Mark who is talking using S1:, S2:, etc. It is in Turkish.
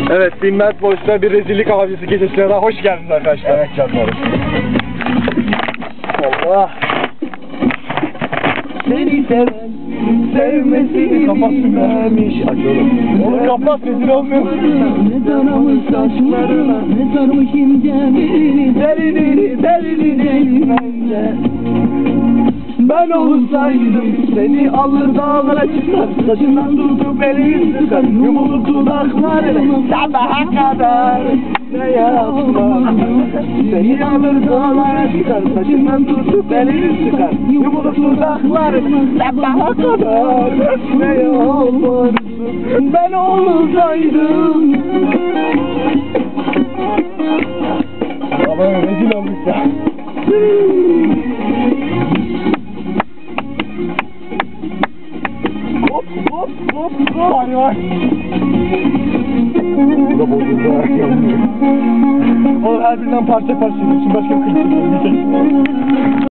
S1: Evet, Binmez Boş'ta bir rezillik avcısı gecesine daha hoş geldiniz arkadaşlar.
S2: Evet canlarım.
S1: Allah.
S2: Seni seven, sevmesini bilmemiş. Aç oğlum.
S1: Oğlum kapat, rezil olmuyorsun.
S3: Ne taramış saçlarına, ne sarmış ince belini,
S2: Derinini bence. Ben olsaydım seni alır dağlara çıkar, saçından tutup elini sıkar, yumulur dudaklarını sabaha kadar ne yapmam. Seni alır dağlara çıkar, saçından tutup elini sıkar, yumulur dudaklarını sabaha kadar ne yaparsın. Ben olsaydım.
S1: Ama rezil olduk ya.
S2: Hop hop hop hop.
S1: Vay vay.
S2: Bu da bozuldu.
S1: Oğlum her birinden parça parça yiyorsun. Başka bir kılıç yok.